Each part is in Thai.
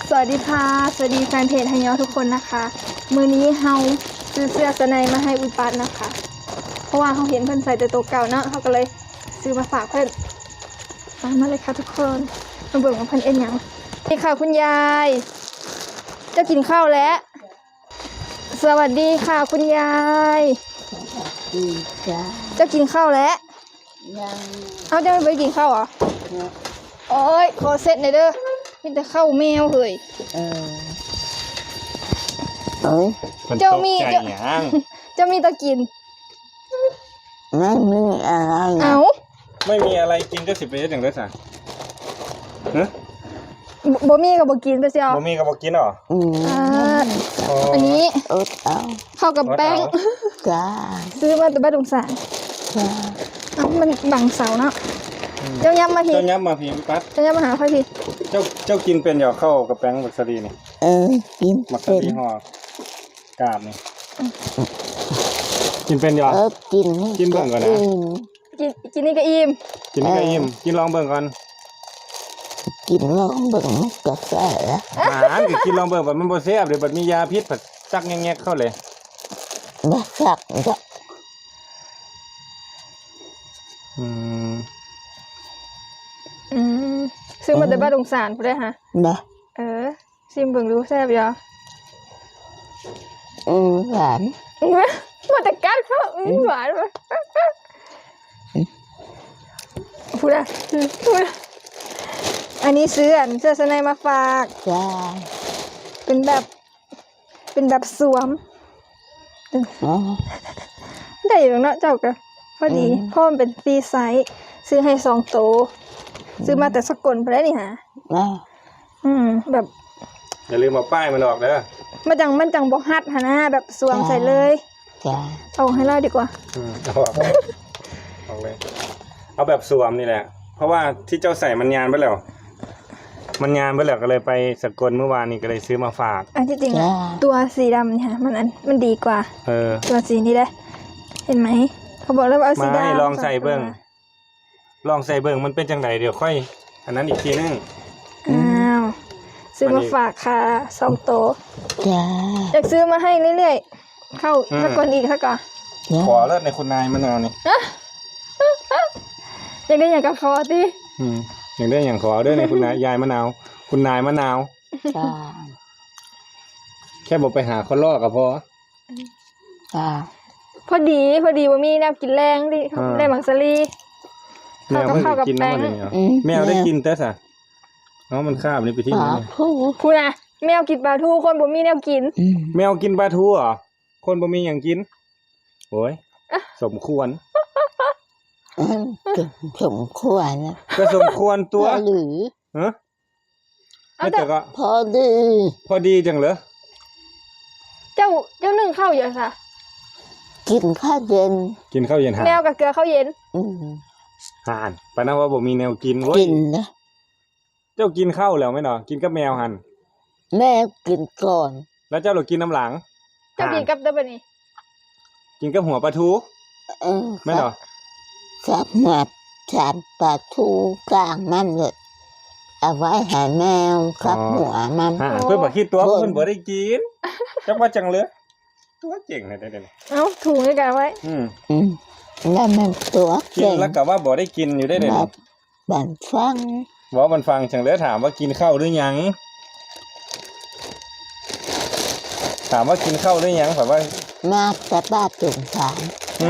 สวัสดีค่ะสวัสดีแฟนเพจไฮยอทุกคนนะคะมื้อนี้เฮาซื้อเสื้อสไนมาให้อุยปัดนะคะเพราะว่าเขาเห็นเพิ่นใส่แต่ตัวเก่าเนาะเขาก็เลยซื้อมาฝากเพิ่นมาเลยค่ะทุกคนมาเบิ่งว่าเพิ่นเอ็นหยังนี่ค่ะคุณยายเจ้ากินข้าวแล้วสวัสดีค่ะคุณยายดีจ้าเจ้ากินข้าวแล้วยังเอาเจ้าไม่ไปกินข้าวเหรอโอ้ยขอเซ็ตหน่อยเด้อมีแต่ข้าวแมวเฮ้ยเจ้ามีเจ้ามีตะกินไม่มีอะไรเอาไม่มีอะไรกินก็สิไปเฮ็ดหยังได้ซะบ่มีก็บ่กินไปเสียวบ่มีก็บ่กินหรออันนี้ข้าวกับแป้งจ้าซื้อมาแต่บ้านดงสารจ้ามันบังเสาเนาะเจ้าย้ำมาพี่พี่ปั๊ดเจ้าย้ำมาหาค่อยพี่เจ้ากินเป็นหยอกเข้ากับแป้งมักสลีนี่กินมักสลีห่อกาบนี่กินเป็นหยอกกินเบิ่งก่อนนะกินนี่ก็อิ่มกินนี่ก็อิ่มกินลองเบิ่งก่อนกินลองเบิ่งกาแฟก็กินลองเบิ่งบัดมันบ่แซ่บเดี๋ยวบัดมียาพิษผัดจักแงกๆเข้าเลยบ่ซักจ้ะซื้อมาแต่บ้านดงสารพุ่นได้ฮะบ่ซิมเบิ่งดูแซ่บอยู่หวานมาแต่กัดเขาหวานว่ะพูดอันนี้ซื้อเสื้อสไนมาฝากจ้าเป็นแบบสวมได้อยู่เนาะเจ้าก็พอดีพ่อมันเป็นฟรีไซส์ซื้อให้2 โตซื้อมาแต่สกลไปได้นี่ฮะแบบอย่าลืมเอาป้ายมันออกเด้อมันจังบ่ฮัดหะนะแบบสวมใส่เลยจ้าเอาให้เราดีกว่าเอาออกเลยเอาแบบสวมนี่แหละเพราะว่าที่เจ้าใส่มันยานไปแล้วก็เลยไปสกลเมื่อวานนี้ก็เลยซื้อมาฝากอันที่จริงตัวสีดำเนี่ยมันดีกว่าตัวสีนี้ได้เห็นไหมเขาบอกแล้วว่าเอาสีดำลองใส่เบิ้งมันเป็นจังไดเดี๋ยวค่อยอันนั้นอีกทีนึงซื้อมาฝากค่ะ2 โตจ้าอยากซื้อมาให้เรื่อยๆเข้าสกลอีกสักก่อนขอเลิศในคุณนายมะนาวนี่อยากได้อย่างกับขอสิอยากได้อย่างขอด้วยในคุณนายยายมะนาวคุณนายมะนาวแค่บอกไปหาคนลอกกับพอพอดีว่ามีแนวกินแรงดิได้มังสลีแมวไม่ได้กินน้ำมันเลยแมวได้กินแต่สะมันคาบนี่ไปที่ไหนพูดนะแมวกินปลาทูคนบ่มีแนวกินแมวกินปลาทูเหรอคนบ่มีอย่างกินโอ้ยสมควรสมควรนะก็สมควรตัวหรือไม่แต่ก็พอดีจังเหรอเจ้านึ่งข้าวเยอะค่ะกินข้าวเย็นแมวกับเกลือข้าวเย็นห่านปะนะว่าบ่มีแนวกินกินนะเจ้ากินข้าวแล้วไหมเนาะกินกับแมวหันแม่กินก่อนแล้วเจ้าหลุดกินน้ำหลังเจ้ากินกับเดบันนี่กินกับหัวปลาทูไม่เนาะจับมาจับปลาทูกลางมันเลยเอาไว้ให้แมวกับหัวมันเพื่อนบอกคิดตัวเพื่อนบอกได้กินจังว่าจังเลยตัวเจ๋งเลยได้เลยถูกเลยกันไว้แล้วมันตัวเก่งแล้วกับว่าบอกได้กินอยู่ได้เลยบันฟังบอกมันฟังจังเลยถามว่ากินข้าวหรือยังถามว่ากินข้าวหรือยังแบบว่ามาแต่บ้านจุ่มสาม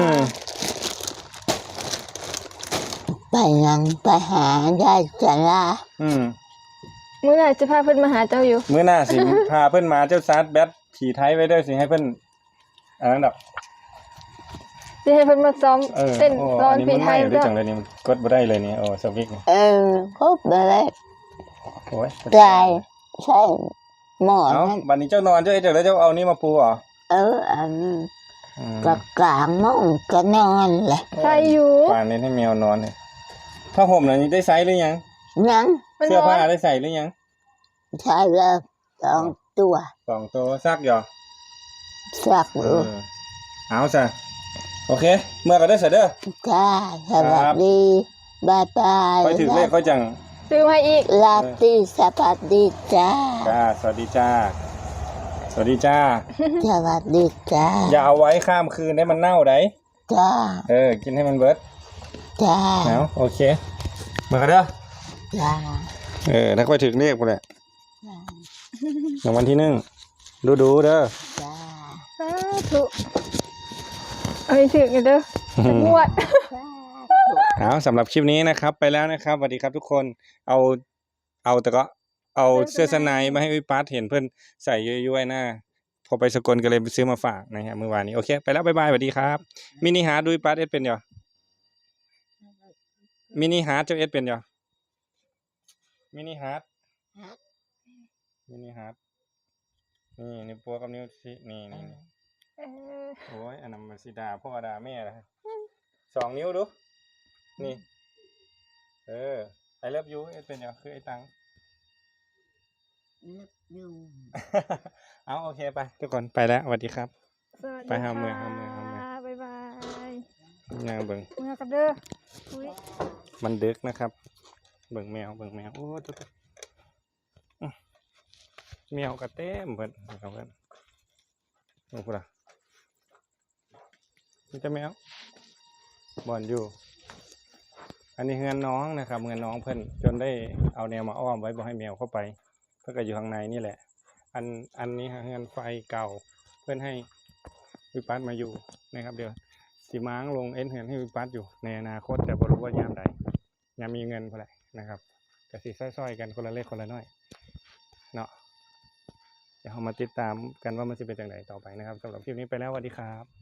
ไปยังไปหายายจันลามื้อหน้าจะพาเพิ่นมาหาเจ้าอยู่มื้อหน้าสิพาเพิ่นมาเจ้าซาร์แบทผีไทยไว้ด้วยสิให้เพิ่นอันนั้นดอกสิให้เพิ่นมาซ้อมเต้นร้อนผีไทยด้วยจังเลยนี่มันกดบ่ได้เลยนี่สวิกนี่กดบ่ได้โอ้ยใช่หมอนบัดนี้เจ้านอนเจ้าจังแล้วเจ้าเอานี่มาปูเหรออันกับกลางมุ้งก็นอนแหละใช่อยู่ป่านนี้ให้แมวนอนเลยผ้าห่มน่ะได้ใส่หรือยังเสื้อผ้าได้ใส่หรือยังใช่แล้ว2 ตัวซักหรอซักเอาซะโอเคเมื่อก็ได้เสร็จเด้อจ้าสวัสดีบายไปถึงเลขเขาจังซื้อมาอีกลาตรีสวัสดีจ้าจ้าสวัสดีจ้าสวัสดีจ้าสวัสดีจ้าอย่าเอาไว้ข้ามคืนให้มันเน่าได้จ้ากินให้มันเบิดจ้าเอาโอเคมากันเด้อจ้าถ้าค่อยถึงเรียกไปแหละรางวัลที่1ดูเด้อจ้าสาธุเอาให้ถึงกันเด้อจะงวดเอาสำหรับคลิปนี้นะครับไปแล้วนะครับสวัสดีครับทุกคนเอาแต่ก็เอาเสื้อสไนมาให้วิปัสเห็นเพื่อนใส่ย้อยๆหน้าพอไปสกลก็เลยไปซื้อมาฝากนะฮะเมื่อวานนี้โอเคไปแล้วบ๊ายบายสวัสดีครับมินิฮาร์ดดูวิปัสเอสเป็นเหรอมินิฮาร์ดเจ้าเอสเป็นเหรอมินิฮาร์ดนี่นิ้วโป้งกับนิ้วชี้นี่โอ้ยอันนั้นมันสิดาพ่อดาแม่ละ2 นิ้วดูนี่ไอเลิฟยูเอสเป็นเหรอคือไอตัง เอาโอเคไปทุกคนไปแล้วสวัสดีครับสวัสดีไปหาเมืองค่ะบ๊ายบายย่างเบิ่งเมื่อกันเด้ออุ๊ยมันดึกนะครับเบิ่งแมวโอ้ตุ๊ดแมวกระเต้มเพิ่นเอาเพิ่นโอ้พุ่นล่ะนี่จะแมวบ่อนอยู่อันนี้เฮือนน้องนะครับเฮือนน้องเพิ่นจนได้เอาแนวมาอ้อมไว้บ่ให้แมวเข้าไปเพิ่นก็อยู่ข้างในนี่แหละอันนี้เฮือนไฟเก่าเพื่อนให้วิปัสมาอยู่นะครับเดี๋ยวสีม้างลงเอ็นเฮือนให้วิปัสอยู่ในอนาคตแต่บ่รู้ว่ายามใดยามมีเงินเท่าไหร่นะครับก็สิซ้อยๆกันคนละเล็กคนละน้อยเนาะเดี๋ยวเรามาติดตามกันว่ามันจะเป็นจังไดต่อไปนะครับสำหรับคลิปนี้ไปแล้วสวัสดีครับ